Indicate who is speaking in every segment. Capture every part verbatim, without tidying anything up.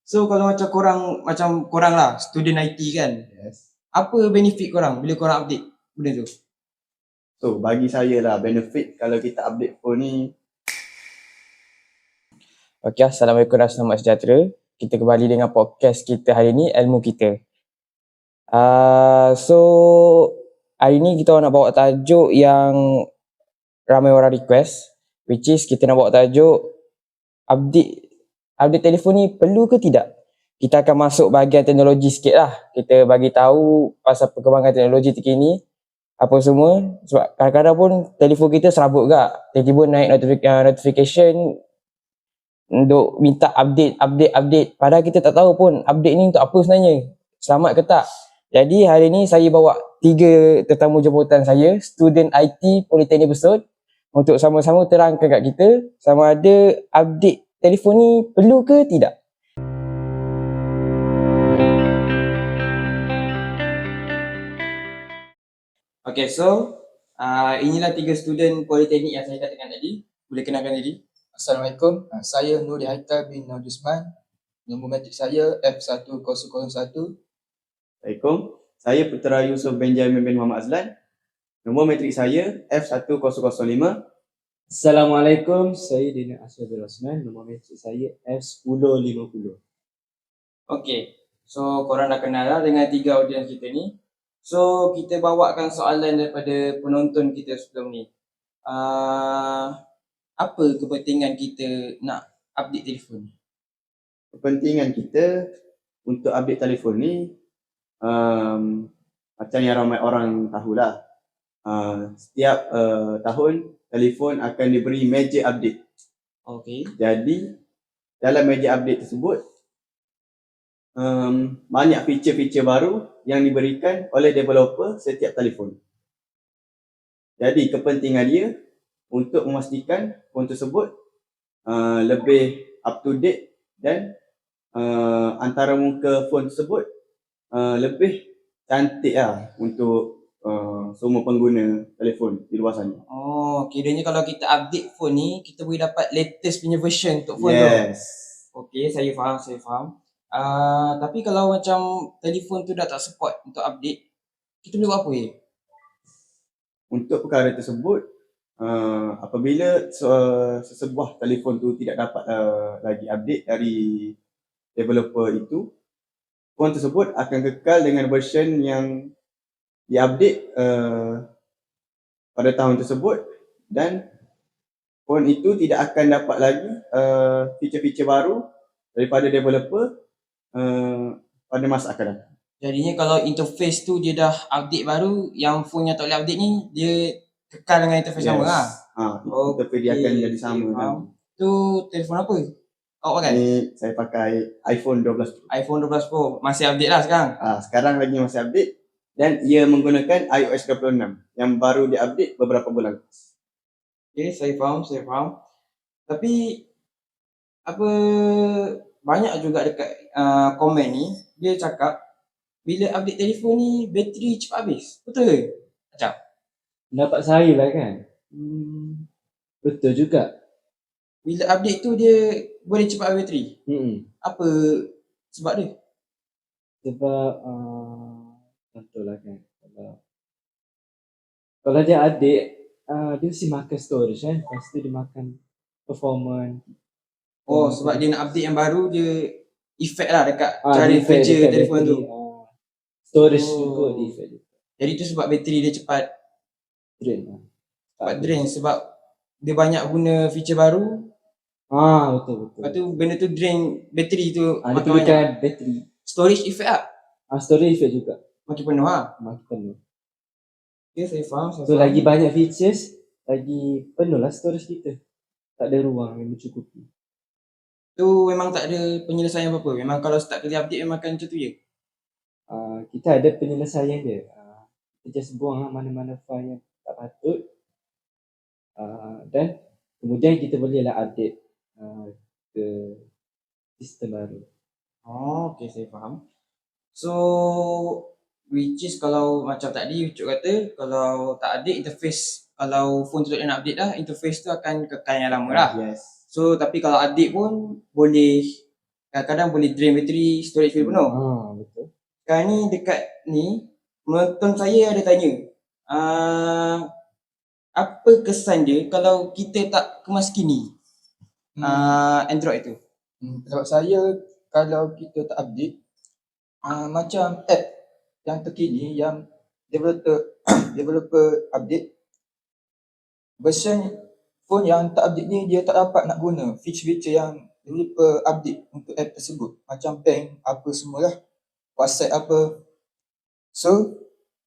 Speaker 1: So kalau macam korang, macam korang lah, student I T kan,
Speaker 2: Yes.
Speaker 1: apa benefit korang bila korang update benda tu?
Speaker 2: So bagi saya lah, benefit kalau kita update phone ni.
Speaker 1: Okay, Assalamualaikum dan selamat sejahtera. Kita kembali dengan podcast kita hari ni, Ilmu Kita. Uh, so, hari ni kita nak bawa tajuk yang ramai orang request, which is kita nak bawa tajuk update update telefon ni perlu ke tidak? Kita akan masuk bahagian teknologi sikit lah. Kita bagi tahu pasal perkembangan teknologi terkini, apa semua. Sebab kadang-kadang pun telefon kita serabut gak. Tiba-tiba naik notification untuk minta update, update, update. Padahal kita tak tahu pun update ni untuk apa sebenarnya. Selamat ke tak? Jadi hari ni saya bawa tiga tetamu jemputan saya, student I T Politeknik Besut, untuk sama-sama terangkan kat kita sama ada update telefon ni perlu ke tidak. Okay, so uh, inilah tiga student Politeknik yang saya katakan tadi. Boleh kenalkan diri?
Speaker 3: Assalamualaikum, saya Nuri Haita bin Najusman. Nombor matrik saya F satu kosong kosong satu.
Speaker 2: Assalamualaikum, saya Putera Yusuf Benjamin bin Muhammad Azlan. Nombor matrik saya F satu kosong kosong lima.
Speaker 4: Assalamualaikum, saya Dina Asyadul Osman. Nombor matrik saya F sepuluh lima puluh.
Speaker 1: Okay, so korang dah kenal lah dengan tiga audiens kita ni. So kita bawakan soalan daripada penonton kita sebelum ni. Uh, apa kepentingan kita nak update telefon?
Speaker 2: Kepentingan kita untuk update telefon ni, um, macam yang ramai orang tahulah, uh, setiap uh, tahun telefon akan diberi major update.
Speaker 1: Okay.
Speaker 2: Jadi dalam major update tersebut, um, banyak feature-feature baru yang diberikan oleh developer setiap telefon. Jadi kepentingan dia untuk memastikan phone tersebut uh, lebih up to date dan uh, antara muka phone tersebut uh, lebih cantik lah untuk uh, semua pengguna telefon di luar sana.
Speaker 1: Oh, kiranya kalau kita update phone ni, kita boleh dapat latest punya version untuk phone tu.
Speaker 2: Yes.
Speaker 1: Okay, saya faham, saya faham. Uh, tapi kalau macam telefon tu dah tak support untuk update, kita boleh buat apa ya?
Speaker 2: Untuk perkara tersebut, Uh, apabila uh, sesebuah telefon tu tidak dapat uh, lagi update dari developer itu, phone tersebut akan kekal dengan version yang diupdate uh, pada tahun tersebut, dan phone itu tidak akan dapat lagi uh, feature-feature baru daripada developer uh, pada masa akan datang.
Speaker 1: Jadinya kalau interface tu dia dah update baru, yang phone yang tak boleh update ni dia kekal dengan interface
Speaker 2: Yes.
Speaker 1: sama lah.
Speaker 2: Ha, interface dia akan jadi sama.
Speaker 1: Okay,
Speaker 2: kan.
Speaker 1: Tu telefon apa awak pakai?
Speaker 2: Ni saya pakai iPhone dua belas Pro.
Speaker 1: iPhone dua belas Pro. Masih update lah sekarang?
Speaker 2: Ha, sekarang lagi masih update, dan ia menggunakan i O S dua puluh enam yang baru diupdate beberapa bulan.
Speaker 1: Okay, saya faham, saya faham. Tapi apa, banyak juga dekat uh, komen ni dia cakap bila update telefon ni bateri cepat habis. Betul ke? Macam
Speaker 4: Pendapat saya lah kan,
Speaker 1: hmm,
Speaker 4: betul juga.
Speaker 1: bila update tu dia boleh cepat habis bateri.
Speaker 4: Hmm.
Speaker 1: Apa sebab dia?
Speaker 4: Sebab uh, contohlah kan, kalau kalau dia adik, uh, dia mesti makan storage kan, lepas tu dia makan performance.
Speaker 1: Oh,
Speaker 4: Hmm.
Speaker 1: sebab dia nak update yang baru, dia efek lah dekat
Speaker 4: Ah,
Speaker 1: cara
Speaker 4: dia effect
Speaker 1: kerja
Speaker 4: dekat
Speaker 1: telefon
Speaker 4: bateri,
Speaker 1: tu.
Speaker 4: uh, storage
Speaker 1: Oh.
Speaker 4: juga dia effect dia.
Speaker 1: Jadi tu sebab bateri dia cepat
Speaker 4: Drain lah.
Speaker 1: cepat drain, sebab dia banyak guna feature baru.
Speaker 4: Ah, betul betul.
Speaker 1: Lepas tu benda tu drain bateri tu,
Speaker 4: Ah, dia
Speaker 1: makin banyak.
Speaker 4: perlukan bateri.
Speaker 1: Storage effect lah,
Speaker 4: Ah, storage effect juga.
Speaker 1: makin penuh lah.
Speaker 4: Makin penuh.
Speaker 1: Okay, saya faham, saya
Speaker 4: So
Speaker 1: faham.
Speaker 4: lagi banyak features, lagi penuh lah storage kita. Tak ada ruang yang mencukupi.
Speaker 1: Tu memang tak ada penyelesaian apa-apa. Memang kalau start kali update memang akan macam tu je.
Speaker 4: Uh, kita ada penyelesaian dia. Uh, kita just buang lah mana-mana file yang tak patut. Uh, dan kemudian kita bolehlah update uh, ke sistem baru.
Speaker 1: Oh, okay, saya faham. So, which is kalau macam tadi Ucup kata, kalau tak update interface, kalau phone tu tak nak update dah, interface tu akan kekal yang lama lah.
Speaker 2: Yes.
Speaker 1: So, tapi kalau update pun boleh kadang-kadang boleh drain bateri, storage boleh penuh.
Speaker 4: Ah, betul.
Speaker 1: Sekarang ni dekat ni, menonton saya ada tanya, uh, apa kesan dia kalau kita tak kemas kini
Speaker 3: Hmm.
Speaker 1: uh, Android tu?
Speaker 3: Hmm, pendapat saya kalau kita tak update uh, macam app yang terkini yang developer developer update, version phone yang tak update ni dia tak dapat nak guna feature-feature yang developer update untuk app tersebut, macam bank apa semualah, WhatsApp apa. So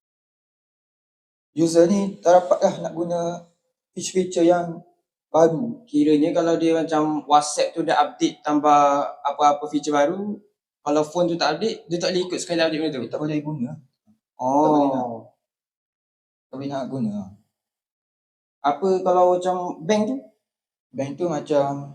Speaker 3: user ni tak dapat lah nak guna feature-feature yang baru.
Speaker 1: Kiranya kalau dia macam WhatsApp tu dah update tambah apa-apa feature baru, kalau phone tu tak update, dia tak boleh ikut sekali update benda tu.
Speaker 3: Dia tak boleh guna, boleh nak.
Speaker 1: Oh.
Speaker 3: tak boleh nak guna.
Speaker 1: Apa kalau macam bank tu?
Speaker 3: Bank tu macam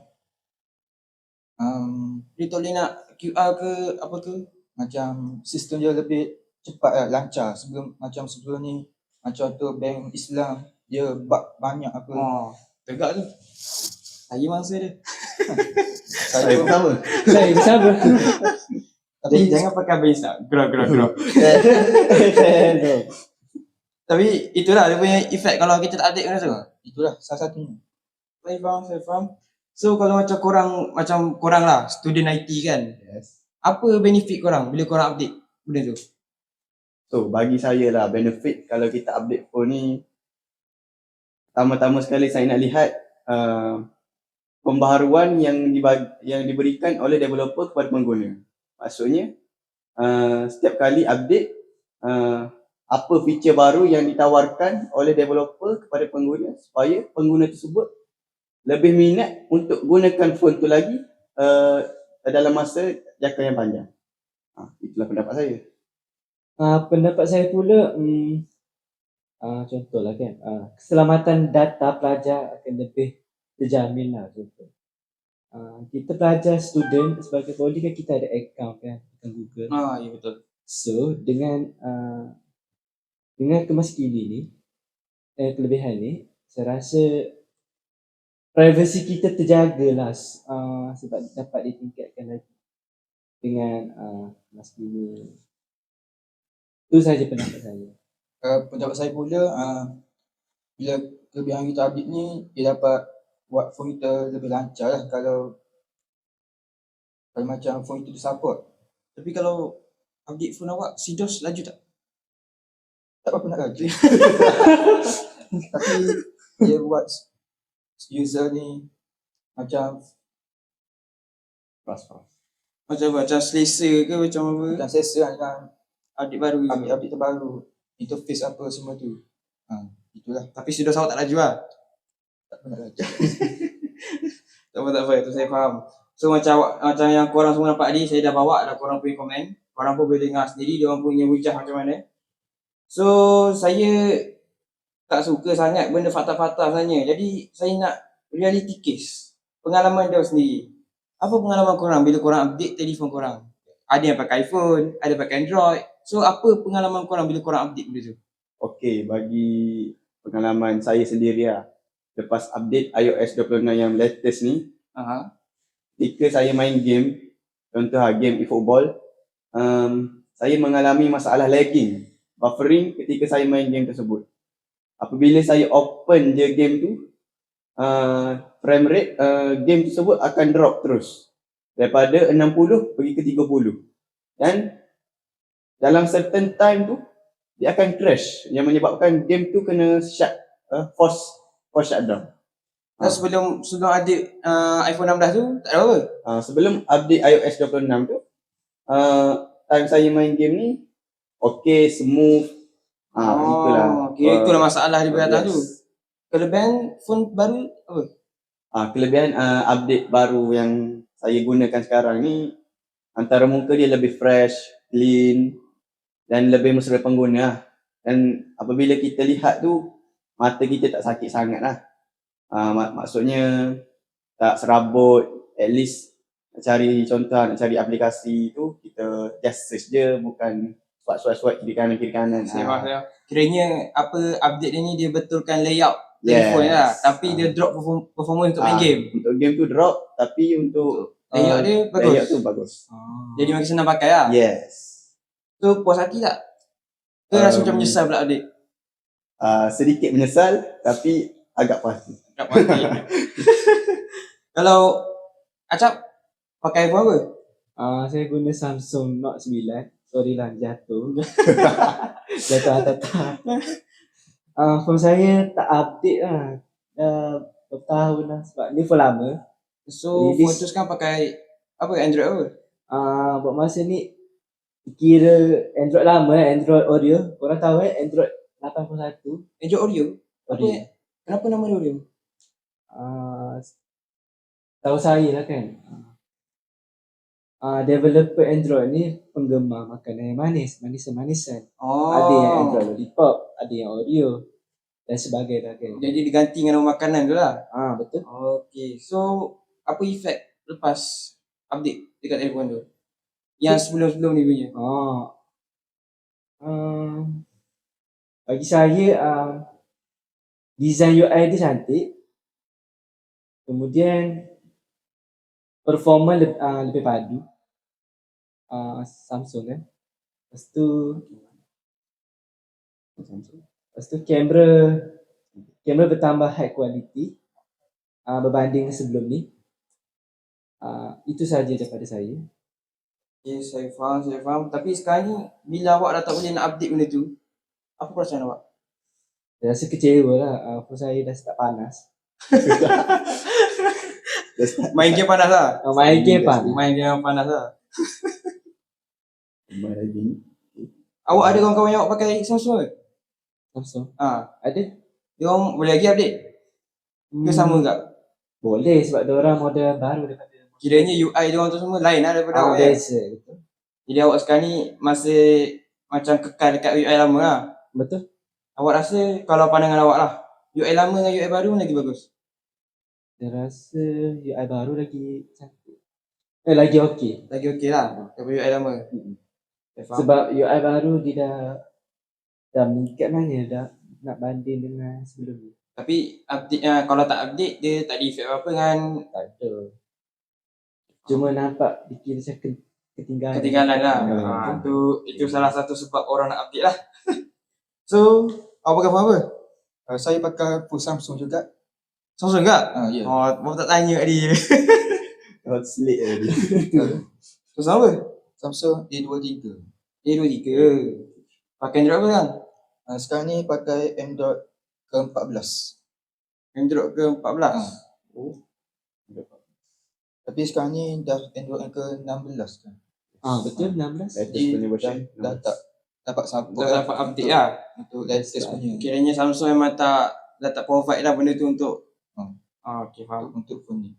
Speaker 3: um,
Speaker 1: Dia tak boleh nak Q R ke apa ke?
Speaker 3: macam sistem dia lebih cepat lah, lancar. Sebelum macam sebelum ni, macam tu bank Islam dia bug banyak apa.
Speaker 1: Oh, tegak tu. Saya mangsa dia.
Speaker 3: Saya
Speaker 2: Saya
Speaker 3: pun
Speaker 2: pertama.
Speaker 4: Saya bersama.
Speaker 1: Jadi
Speaker 3: tapi
Speaker 1: jangan pakai habis tak. Gerak gerak gerak.
Speaker 4: Saya
Speaker 1: Tapi itulah dia punya effect kalau kita tak update benda tu.
Speaker 3: itulah salah satunya.
Speaker 1: Saya faham, saya faham. So kalau macam korang, macam korang lah, student I T kan,
Speaker 2: Yes.
Speaker 1: apa benefit korang bila korang update benda tu?
Speaker 2: So bagi saya lah, benefit kalau kita update phone ni, pertama-tama sekali saya nak lihat uh, pembaharuan yang dibagi, yang diberikan oleh developer kepada pengguna. Maksudnya uh, setiap kali update, uh, apa feature baru yang ditawarkan oleh developer kepada pengguna supaya pengguna tersebut lebih minat untuk gunakan phone tu lagi uh, dalam masa jangka yang panjang. Ha, itulah pendapat saya.
Speaker 4: Uh, pendapat saya pula, um, uh, contohlah kan, uh, keselamatan data pelajar akan lebih terjamin lah. Contoh. Uh, kita pelajar student sebagai poly kan kita ada account kan, account Google.
Speaker 1: Ah, ya betul.
Speaker 4: So dengan uh, dengan kemaskini ni, eh, kelebihan ni, saya rasa privacy kita terjaga lah uh, sebab dapat ditingkatkan lagi dengan uh, kemaskini. Itu saja pendapat saya.
Speaker 3: Uh, pendapat saya pula, uh, bila kelebihan kita update ni, dia dapat buat phone kita lebih lancar lah kalau kalau macam phone kita support.
Speaker 1: Tapi kalau update phone awak, C DOS laju tak?
Speaker 3: Tak apa-apa nak laju. Tapi dia buat user ni macam
Speaker 2: Fast fast.
Speaker 1: Macam macam selesa ke macam apa?
Speaker 3: macam selesa dengan
Speaker 1: Update baru ke?
Speaker 3: update-update terbaru, interface apa semua tu. Ha, itulah,
Speaker 1: Tapi C DOS awak tak laju lah.
Speaker 3: tak apa nak laju.
Speaker 1: Tak apa, tak apa. Itu saya faham. So macam awak, macam yang korang semua nampak tadi, saya dah bawa dah korang punya komen. Korang pun boleh dengar sendiri diorang punya hujah macam mana. So saya tak suka sangat benda fakta-fakta sebenarnya. Jadi saya nak reality case. Pengalaman dia sendiri. Apa pengalaman korang bila korang update telefon korang? Ada yang pakai iPhone, ada pakai Android. So apa pengalaman korang bila korang update benda tu?
Speaker 2: Okey, bagi pengalaman saya sendiri lah, lepas update i O S dua puluh enam yang latest ni,
Speaker 1: Aha.
Speaker 2: ketika saya main game, contoh lah game eFootball, um, saya mengalami masalah lagging, buffering ketika saya main game tersebut. Apabila saya open je game tu, uh, frame rate uh, game tersebut akan drop terus. Daripada enam puluh pergi ke tiga puluh. Dan dalam certain time tu, dia akan crash yang menyebabkan game tu kena shut, uh, force, force shutdown.
Speaker 1: Dan sebelum sebelum ada uh, iPhone enam belas tu, tak ada apa?
Speaker 2: Uh, sebelum update i O S dua puluh enam tu, uh, time saya main game ni, okay, smooth. Ah, uh, itulah.
Speaker 1: Kira itulah masalah di
Speaker 2: uh,
Speaker 1: atas tu.
Speaker 2: yes.
Speaker 1: Kelebihan phone baru apa?
Speaker 2: Uh, kelebihan uh, update baru yang saya gunakan sekarang ni, antara muka dia lebih fresh, clean dan lebih mesra pengguna. Dan apabila kita lihat tu, mata kita tak sakit sangat lah. Uh, mak- maksudnya tak serabut. At least nak cari contoh, nak cari aplikasi tu, kita just search je, bukan swipe-swipe-swipe kiri kanan kiri kanan.
Speaker 1: Saya
Speaker 2: Ah.
Speaker 1: faham saya. Kiranya apa update dia ni dia betulkan layout
Speaker 2: Yes.
Speaker 1: telefon lah, tapi
Speaker 2: Ah.
Speaker 1: dia drop perform- performance untuk main
Speaker 2: Ah,
Speaker 1: game.
Speaker 2: Untuk game tu drop, tapi untuk
Speaker 3: Layout
Speaker 4: Uh,
Speaker 3: dia bagus.
Speaker 2: Layout tu bagus.
Speaker 4: ah.
Speaker 3: Jadi makin senang pakai lah.
Speaker 2: Yes.
Speaker 3: So puas hati tak? Ke rasa
Speaker 2: Um,
Speaker 3: macam menyesal pula update?
Speaker 2: Uh, sedikit menyesal tapi agak puas hati.
Speaker 3: Tak puas hati. Kalau Acap pakai iPhone apa?
Speaker 4: Uh, saya guna Samsung Note sembilan. Sorry lah jatuh. Jatuh atas tak. Uh, phone saya tak update lah. Dah berapa tahun lah. Sebab ni phone lama.
Speaker 3: So
Speaker 4: Release.
Speaker 3: phone tu sekarang pakai apa? Android apa?
Speaker 4: Uh, buat masa ni kira Android lama eh, Android Oreo. Korang tahu eh Android lapan puluh satu.
Speaker 3: Android Oreo? Apa?
Speaker 4: Oreo.
Speaker 3: Kenapa nama dia Oreo?
Speaker 4: Uh, tahu saya lah kan. Uh, developer Android ni penggemar makanan yang manis, manis-manisan.
Speaker 3: Oh.
Speaker 4: Ada yang Android Lollipop, ada yang Oreo dan sebagainya kan.
Speaker 3: Jadi diganti dengan nama makanan tu lah.
Speaker 4: Ah betul.
Speaker 3: Okay. So apa efek lepas update dekat telefon tu? Yang sebelum-sebelum ni punya.
Speaker 4: Oh. Um, bagi saya um, design U I dia cantik. Kemudian performa lebih, uh, lebih padu. Uh, Samsung kan. Lepas tu Lepas tu kamera kamera bertambah high quality uh, berbanding sebelum ni. Uh, itu sahaja daripada saya.
Speaker 3: Okay, saya faham, saya faham. Tapi sekarang ni bila awak dah tak boleh nak update benda tu, apa perasaan awak?
Speaker 4: Saya rasa kecewa lah. Uh, phone saya dah start panas.
Speaker 3: Main game panas lah.
Speaker 4: Uh, main game panas.
Speaker 3: Main game panas lah.
Speaker 2: Main lagi.
Speaker 3: Awak ada kawan-kawan yang awak pakai Samsung ke?
Speaker 4: Samsung.
Speaker 3: Ha.
Speaker 4: Ada?
Speaker 3: Dia orang boleh lagi update? Ke
Speaker 4: Hmm,
Speaker 3: sama tak?
Speaker 4: boleh sebab dia orang model baru daripada.
Speaker 3: Kiranya U I dia orang tu semua lain lah daripada
Speaker 4: Ah,
Speaker 3: awak kan?
Speaker 4: biasa. Betul.
Speaker 3: Jadi awak sekarang ni masih macam kekal dekat U I lama lah.
Speaker 4: Betul.
Speaker 3: Awak rasa kalau pandangan awak lah, U I lama dengan U I baru mana lagi bagus?
Speaker 4: Saya rasa U I baru lagi cantik. Eh, lagi okey.
Speaker 3: Lagi okey lah daripada U I lama. Saya faham.
Speaker 4: Sebab U I baru dia dah dah meningkat mana dah nak banding dengan sebelum ni.
Speaker 3: Tapi update uh, kalau tak update dia tak ada efek apa-apa kan
Speaker 4: Tak ada. Cuma nampak dikira macam ke- ketinggalan.
Speaker 3: ketinggalan lah.
Speaker 2: Hmm.
Speaker 3: Ha, tu itu salah satu sebab orang nak update lah. So, awak pakai phone apa?
Speaker 5: Uh, saya pakai phone Samsung juga.
Speaker 3: Samsung ke?
Speaker 5: Ah, ya.
Speaker 3: Oh, baru tak tanya kat dia.
Speaker 2: Hot slate tadi.
Speaker 3: Samsung apa?
Speaker 5: Samsung A dua tiga.
Speaker 3: A dua tiga. Pakai Android apa kan?
Speaker 5: Uh, sekarang ni pakai Android ke empat belas.
Speaker 3: Android ke empat belas?
Speaker 5: Ah. Tapi sekarang ni dah Android ke enam belas kan.
Speaker 4: Ah, betul enam belas.
Speaker 2: Latest
Speaker 5: Jadi
Speaker 2: punya
Speaker 5: dah,
Speaker 2: version.
Speaker 5: dah tak dapat support
Speaker 3: Dah dapat update lah.
Speaker 5: untuk latest punya
Speaker 3: Kiranya Samsung memang tak dah tak provide lah benda tu untuk
Speaker 5: Hmm.
Speaker 3: Ah, okey faham.
Speaker 5: untuk, untuk phone ni.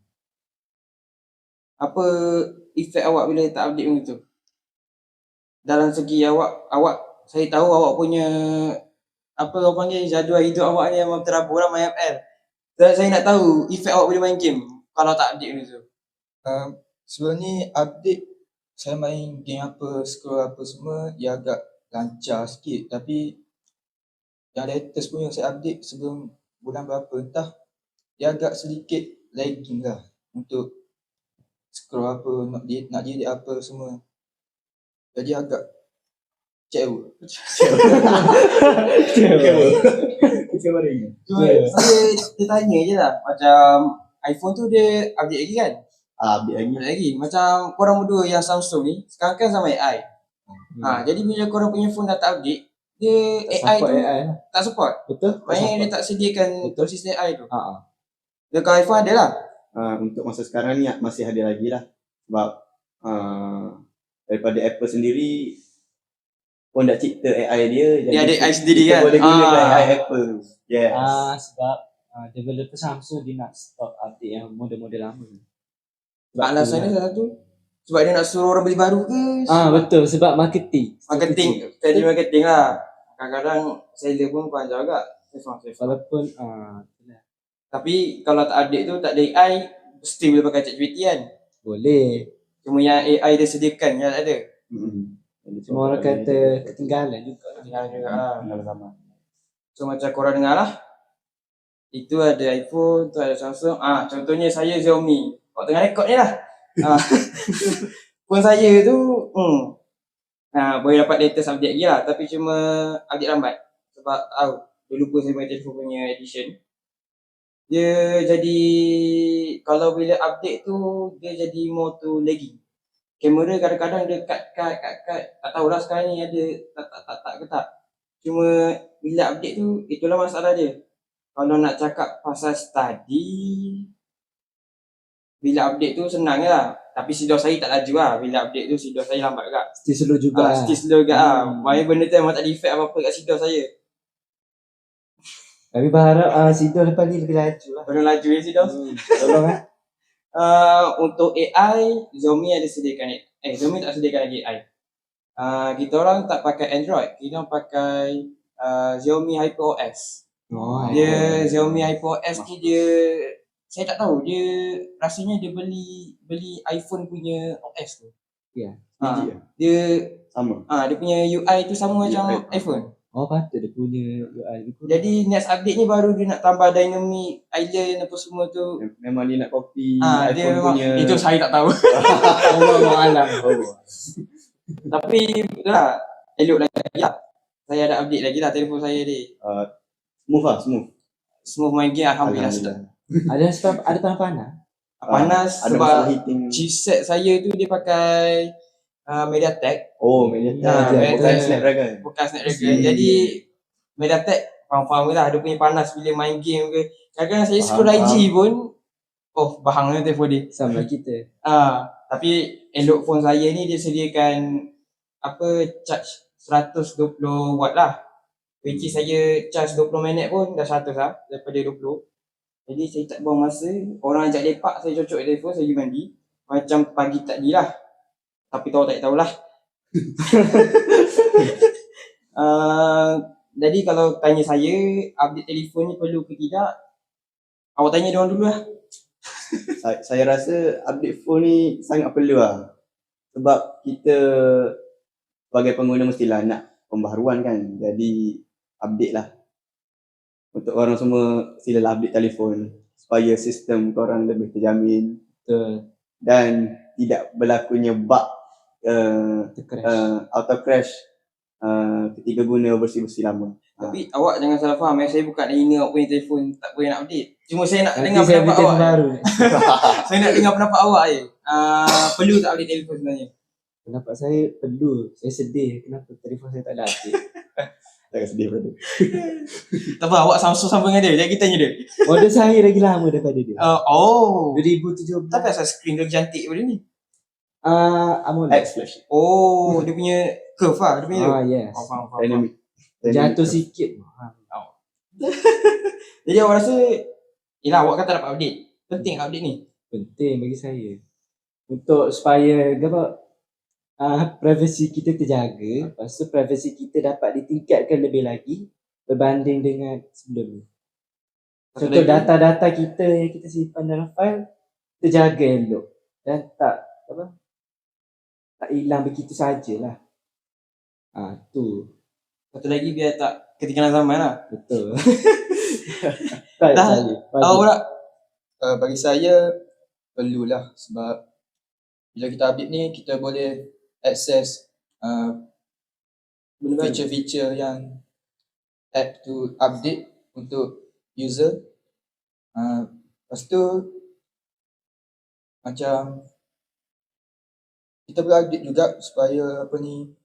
Speaker 3: Apa efek awak bila tak update benda tu? Dalam segi awak, awak saya tahu awak punya apa orang panggil jadual hidup awak ni memang terabur lah main M L. Dan saya nak tahu efek awak bila main game kalau tak update benda tu.
Speaker 5: Uh, sebelum ni update saya main game apa, scroll apa semua dia agak lancar sikit. Tapi yang latest punya saya update sebelum bulan berapa entah dia agak sedikit lagging lah untuk scroll apa, nak dia nak jadi apa semua. Jadi agak kecewa.
Speaker 2: Kecewa lagi.
Speaker 3: Cuma saya dia tanya je lah macam iPhone tu dia update lagi kan?
Speaker 2: Ah, update lagi.
Speaker 3: Update lagi. Macam korang berdua yang Samsung ni sekarang kan sama A I.
Speaker 4: Hmm.
Speaker 3: Ha, jadi bila korang punya phone dah tak update, dia
Speaker 4: Tak
Speaker 3: A I
Speaker 4: support
Speaker 3: tu
Speaker 4: A I lah.
Speaker 3: tak support.
Speaker 4: Betul?
Speaker 3: Maknanya dia tak sediakan
Speaker 4: Betul.
Speaker 3: sistem A I tu.
Speaker 4: Ha ah.
Speaker 3: Dekat iPhone ada lah.
Speaker 2: Uh, untuk masa sekarang ni masih ada lagi lah. Sebab uh, daripada Apple sendiri pun dah cipta A I dia.
Speaker 3: Dia ada A I sendiri
Speaker 2: kita
Speaker 3: kan?
Speaker 2: boleh gunakan
Speaker 3: Ah.
Speaker 2: A I Apple. Yes.
Speaker 4: Ah, sebab ah, developer Samsung dia nak stop update yang model-model lama. Sebab
Speaker 3: Alasan
Speaker 4: tu
Speaker 3: dia
Speaker 4: lah.
Speaker 3: salah satu. Sebab dia nak suruh orang beli baru ke?
Speaker 4: Ah, betul sebab marketing.
Speaker 3: Marketing. Strategi marketing lah. Kadang-kadang seller pun panjang agak. Saya faham, saya faham.
Speaker 4: Walaupun ah itulah.
Speaker 3: Tapi kalau tak update tu, tak ada A I, mesti boleh pakai ChatGPT kan?
Speaker 4: Boleh.
Speaker 3: Cuma yang A I dia sediakan, yang tak ada.
Speaker 2: Hmm.
Speaker 4: Cuma orang kata ketinggalan juga.
Speaker 3: Tinggal juga lah.
Speaker 2: Tinggal sama.
Speaker 3: So macam korang dengar lah. Itu ada iPhone, tu ada Samsung. Ah, contohnya saya Xiaomi. Awak tengah rekod ni lah.
Speaker 1: Ah, phone saya tu hmm, ah, boleh dapat latest update lagi lah. Tapi cuma update lambat. Sebab tahu, dia lupa saya punya telefon punya edition. Dia jadi, kalau bila update tu, dia jadi more to lagging. Kamera kadang-kadang dia cut-cut, cut-cut. Tak tahulah sekarang ni ada tak tak tak tak ke tak. Cuma bila update tu, itulah masalah dia. Kalau nak cakap pasal study, bila update tu senang je lah. Tapi sidos saya tak laju lah. Bila update tu sidos saya lambat juga.
Speaker 4: Still slow juga
Speaker 1: Ah,
Speaker 4: lah.
Speaker 1: still slow juga lah.
Speaker 4: Hmm.
Speaker 1: Why benda tu memang tak ada effect apa-apa kat sidos saya.
Speaker 4: Kami berharap uh, Sido lepas ni lebih laju lah.
Speaker 1: Belum laju je sidos.
Speaker 4: Hmm. Tolong eh.
Speaker 1: Uh, untuk A I, Xiaomi ada sediakan A I. Eh, Xiaomi tak sediakan lagi A I. Uh, kita orang tak pakai Android. Kita orang pakai uh, Xiaomi HyperOS.
Speaker 4: Oh,
Speaker 1: Dia Xiaomi HyperOS ni dia, saya tak tahu, dia rasanya dia beli beli iPhone punya O S tu.
Speaker 4: Ya.
Speaker 1: Ha,
Speaker 2: Biji lah.
Speaker 1: dia
Speaker 2: Sama.
Speaker 1: ah ha, dia punya U I tu sama macam
Speaker 2: U I.
Speaker 1: iPhone.
Speaker 4: Oh, patut dia punya U I.
Speaker 1: Jadi next update ni baru dia nak tambah dynamic island apa semua tu.
Speaker 2: Mem- Memang dia nak copy
Speaker 1: Ah ha, dia
Speaker 2: iPhone
Speaker 1: memang,
Speaker 2: punya.
Speaker 1: itu saya tak tahu.
Speaker 4: Allah alam.
Speaker 1: Tapi itulah, elok lagi lah. Saya ada update lagi lah telefon saya ni.
Speaker 2: Uh, smooth lah, smooth.
Speaker 1: Smooth main game alhamdulillah.
Speaker 2: Alhamdulillah.
Speaker 4: Ada sebab ada panas-panas.
Speaker 1: Panas
Speaker 2: Ada
Speaker 1: sebab
Speaker 2: masalah heating.
Speaker 1: chipset saya tu dia pakai uh, MediaTek.
Speaker 2: Oh, MediaTek.
Speaker 1: Ah,
Speaker 2: Bukan
Speaker 1: MediaTek.
Speaker 2: Snapdragon.
Speaker 1: Bukan Snapdragon. Jadi MediaTek faham-faham je lah. Dia punya panas bila main game ke. Kadang-kadang saya scroll I G pun, oh bahangnya telefon dia.
Speaker 4: Sama kita.
Speaker 1: Ah, tapi elok phone saya ni dia sediakan apa charge seratus dua puluh watt lah. Which is saya charge dua puluh minit pun dah seratus lah daripada dua puluh. Jadi saya tak buang masa. Orang ajak lepak, saya cocok telefon, saya pergi mandi. Macam pagi tadi lah. Tapi tahu tak tahulah. uh, jadi kalau tanya saya, update telefon ni perlu ke tidak? Awak tanya diorang dulu lah.
Speaker 2: Saya, saya rasa update phone ni sangat perlu lah. Sebab kita sebagai pengguna mestilah nak pembaharuan kan. Jadi update lah. Untuk orang semua silalah update telefon supaya sistem korang lebih terjamin
Speaker 4: Betul.
Speaker 2: dan tidak berlakunya bug uh,
Speaker 4: Tercrash.
Speaker 2: uh, auto crash uh, ketika guna versi-versi lama.
Speaker 1: Tapi awak jangan salah faham eh. Saya bukan nak hina awak punya telefon tak boleh nak update. Cuma saya nak
Speaker 4: Nanti
Speaker 1: dengar
Speaker 4: saya
Speaker 1: pendapat
Speaker 4: bikin
Speaker 1: awak.
Speaker 4: baru.
Speaker 1: Saya nak dengar pendapat awak je. Uh, perlu tak update telefon sebenarnya?
Speaker 4: Pendapat saya perlu. Saya sedih kenapa telefon saya tak ada update.
Speaker 2: Jangan sedih brother.
Speaker 1: Tak apa, awak Samsung sama dengan dia. Jadi kita tanya dia.
Speaker 4: Model saya lagi lama daripada dia.
Speaker 1: Uh, oh.
Speaker 4: dua ribu tujuh belas.
Speaker 1: Tapi asal skrin dia cantik pada ni?
Speaker 4: Ah, AMOLED.
Speaker 2: X flash.
Speaker 1: Oh, dia punya curve lah. Dia punya
Speaker 4: Ah, yes.
Speaker 1: oh, faham, faham, faham.
Speaker 2: Dynamic.
Speaker 4: Jatuh sikit.
Speaker 1: Jadi awak rasa, yelah awak kata dapat update. Penting update ni.
Speaker 4: Penting bagi saya. Untuk supaya apa uh, privasi kita terjaga, lepas tu privasi kita dapat ditingkatkan lebih lagi berbanding dengan sebelum ni.
Speaker 1: Satu
Speaker 4: Contoh
Speaker 1: lagi.
Speaker 4: data-data kita yang kita simpan dalam file terjaga elok dan tak apa tak hilang begitu sajalah. Ah tu
Speaker 1: Satu lagi biar tak ketinggalan zaman lah.
Speaker 4: betul. tak
Speaker 1: Dah.
Speaker 4: saya.
Speaker 1: Awak nak?
Speaker 5: Uh, bagi saya perlulah sebab bila kita update ni kita boleh access uh, feature-feature yang app tu update untuk user. Uh, lepas tu macam kita boleh update juga supaya apa ni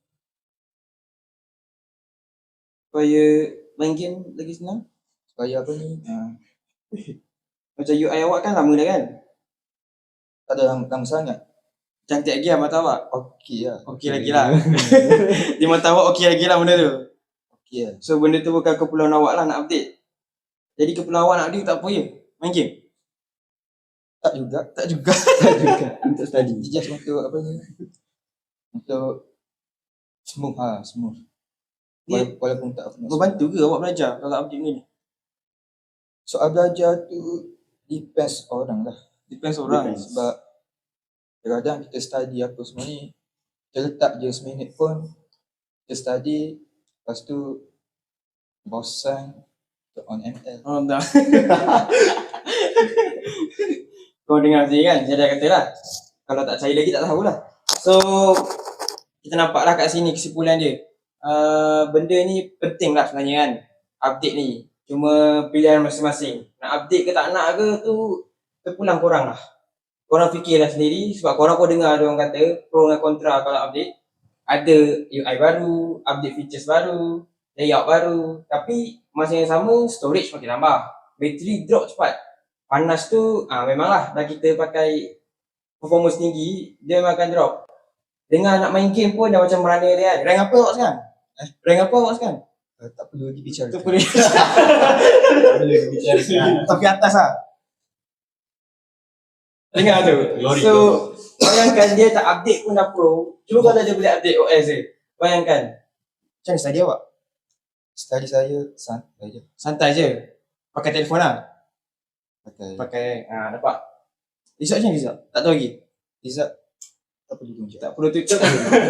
Speaker 1: Supaya main game lagi senang.
Speaker 5: supaya apa ni uh,
Speaker 1: Macam U I awak kan lama dah kan?
Speaker 5: tak ada lama, lama sangat.
Speaker 1: Cantik lagi lah mata awak.
Speaker 5: Okey lah.
Speaker 1: Okey lagi lah. Di mata awak okey lagi lah benda tu.
Speaker 5: Okey lah.
Speaker 1: So benda tu bukan keperluan awak lah nak update. Jadi keperluan awak nak update tak apa je. Main game.
Speaker 5: Tak juga.
Speaker 1: Tak juga.
Speaker 4: Tak juga.
Speaker 2: Untuk study.
Speaker 5: Just untuk apa ni untuk smooth ha smooth.
Speaker 1: Dia
Speaker 5: Wala- Walaupun tak apa.
Speaker 1: membantu ke awak belajar kalau update ni?
Speaker 5: Soal belajar tu depends orang lah.
Speaker 1: Depends orang.
Speaker 2: Depends.
Speaker 5: Sebab kadang-kadang kita study apa semua ni, kita letak je seminit pun, kita study, lepas tu bosan, kita on M L.
Speaker 1: Oh tak. Kau dengar sini kan, saya dah kata lah. Kalau tak percaya lagi tak tahulah. So kita nampaklah kat sini kesimpulan dia. Uh, benda ni penting lah sebenarnya kan. Update ni. Cuma pilihan masing-masing. Nak update ke tak nak ke tu terpulang korang lah. Korang fikirlah sendiri sebab korang pun dengar ada orang kata pro dan kontra kalau update. Ada U I baru, update features baru, layout baru. Tapi masa yang sama storage makin tambah. Bateri drop cepat. Panas tu ah memanglah dah kita pakai performance tinggi, dia memang akan drop. Dengar nak main game pun dah macam merana dia kan. Rank apa awak sekarang? Eh, rank apa awak sekarang?
Speaker 5: Uh, tak perlu dibicarakan.
Speaker 1: Tu boleh.
Speaker 4: Boleh dibicarakan.
Speaker 1: Tapi atas lah. Dengar tu.
Speaker 2: Glory,
Speaker 1: So, bayangkan dia tak update pun dah pro. Cuma kalau dia boleh update O S je. Bayangkan. Macam mana study awak?
Speaker 5: Study saya santai je.
Speaker 1: Santai je. Pakai telefon lah.
Speaker 5: Pakai
Speaker 1: Pakai, ah nampak. Result macam mana result? Tak tahu lagi.
Speaker 5: result tak perlu tunjuk.
Speaker 1: Tak perlu tutup.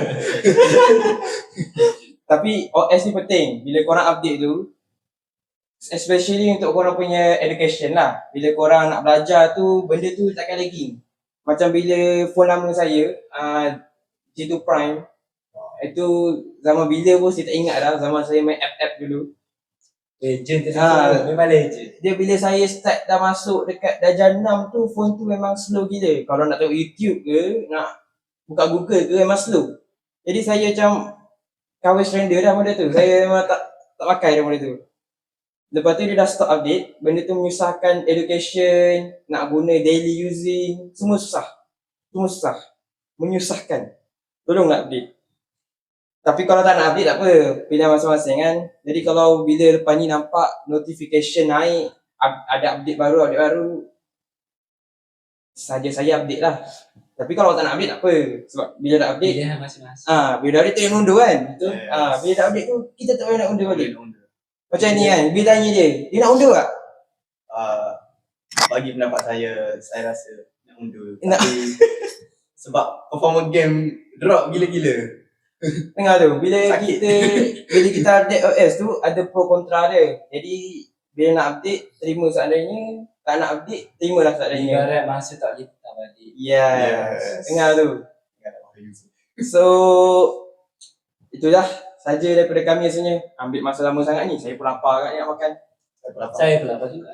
Speaker 1: Tapi O S ni penting. Bila korang update tu, especially untuk korang punya education lah. Bila korang nak belajar tu, benda tu takkan lagging. Macam bila phone lama saya, uh, G two Prime, itu zaman bila pun saya tak ingat dah, zaman saya main app-app dulu.
Speaker 4: Legend tu
Speaker 1: Ah.
Speaker 4: ha. Memang legend.
Speaker 1: Dia bila saya start dah masuk dekat darjah enam tu, phone tu memang slow gila. Kalau nak tengok YouTube ke, nak buka Google ke, memang slow. Jadi saya macam cover render dah benda tu. Saya memang tak tak pakai dah benda tu. Lepas tu dia dah stop update, benda tu menyusahkan education, nak guna daily using, semua susah. Semua susah. Menyusahkan. Tolonglah update. Tapi kalau tak nak update tak apa, pilihan masing-masing kan. Jadi kalau bila lepas ni nampak notification naik, up- ada update baru, update baru, saja saya update lah. Tapi kalau tak nak update tak apa. Sebab bila dah update,
Speaker 4: Pilihan masing-masing.
Speaker 1: ah bila dah update tak payah undur kan.
Speaker 2: Betul.
Speaker 1: Ah bila dah update tu, kita tak payah nak undur balik.
Speaker 2: Undur.
Speaker 1: Macam ni kan, bila tanya dia, dia nak undur tak?
Speaker 2: Uh, bagi pendapat saya, saya rasa nak undur.
Speaker 1: Nak-
Speaker 2: Tapi sebab performance game drop gila-gila.
Speaker 1: Dengar tu, bila
Speaker 2: Sakit.
Speaker 1: kita bila kita update O S tu ada pro kontra dia. Jadi bila nak update terima seadanya, tak nak update terimalah seadanya.
Speaker 4: Ibarat masa tak boleh tak balik.
Speaker 1: Yes.
Speaker 2: Yes.
Speaker 1: Dengar tu.
Speaker 2: Ingat tak pakai user.
Speaker 1: So itulah saja daripada kami rasanya. Ambil masa lama sangat ni. Saya pun lapar agak ni nak makan.
Speaker 2: Saya pun lapar.
Speaker 4: Saya pula apa juga.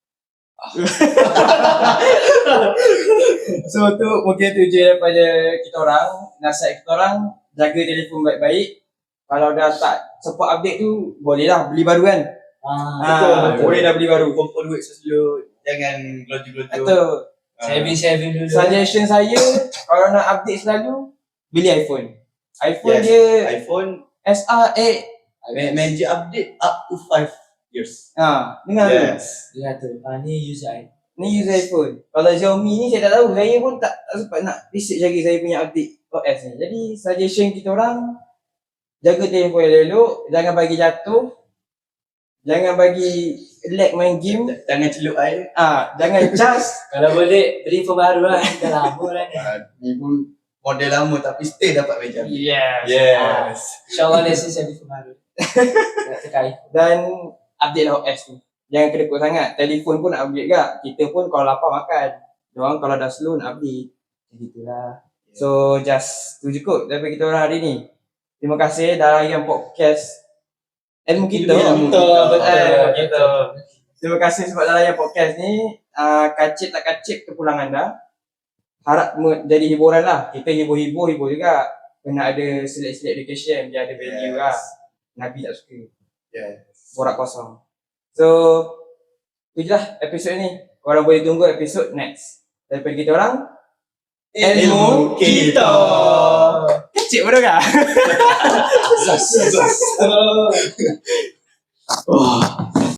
Speaker 1: So tu mungkin tu je daripada kita orang. Nasihat kita orang, jaga telefon baik-baik. Kalau dah tak support update tu, bolehlah beli baru kan.
Speaker 4: Ah,
Speaker 1: Ah, boleh dah beli baru.
Speaker 2: Kumpul duit dulu. Jangan gelojoh-gelojoh.
Speaker 1: Betul.
Speaker 2: Ah.
Speaker 4: saving-saving dulu.
Speaker 1: Suggestion saya, kalau nak update selalu, beli iPhone. iPhone
Speaker 2: Yes.
Speaker 1: dia
Speaker 2: iPhone
Speaker 1: S R eight.
Speaker 2: ma- magic update up to five years.
Speaker 1: Ha, dengar tu.
Speaker 2: Yes.
Speaker 4: Dia kata, ah, ni user I.
Speaker 1: Ni user iPhone. Kalau Xiaomi ni saya tak tahu. Saya pun tak, tak sempat nak research lagi saya punya update O S ni. Jadi suggestion kita orang, jaga telefon yang elok, jangan bagi jatuh. Jangan bagi lag main game.
Speaker 2: Jangan celup air.
Speaker 1: Ah, jangan cas.
Speaker 4: Kalau boleh, beli phone baru lah. Dah lama lah ni.
Speaker 2: Ah, ni pun model lama tapi still dapat meja.
Speaker 1: Yes.
Speaker 2: Yes.
Speaker 4: InsyaAllah lesson saya beli phone baru. Nak terkait.
Speaker 1: Dan update lah O S ni. Jangan kedekut sangat. Telefon pun nak update gak. Kita pun kalau lapar makan. Diorang kalau dah slow nak update. Jadi itulah. So just tu je kot daripada kita orang hari ni. Terima kasih dah layan podcast Ilmu Kita.
Speaker 2: Ilmu
Speaker 1: Betul,
Speaker 2: Kita.
Speaker 1: betul, eh, kita. Terima kasih sebab dah layan podcast ni. Uh, kacip tak kacip kepulangan dah. Harap me- jadi hiburan lah. Kita hibur-hibur, hibur juga. Kena ada select-select education. Biar ada value lah. Nabi tak suka.
Speaker 2: Yes.
Speaker 1: Borak kosong. So, itu je lah episod ni. Korang boleh tunggu episod next. Daripada kita orang,
Speaker 2: Ilmu Kita.
Speaker 1: kecil bodoh kah?
Speaker 2: Zas. Zas.
Speaker 1: Oh.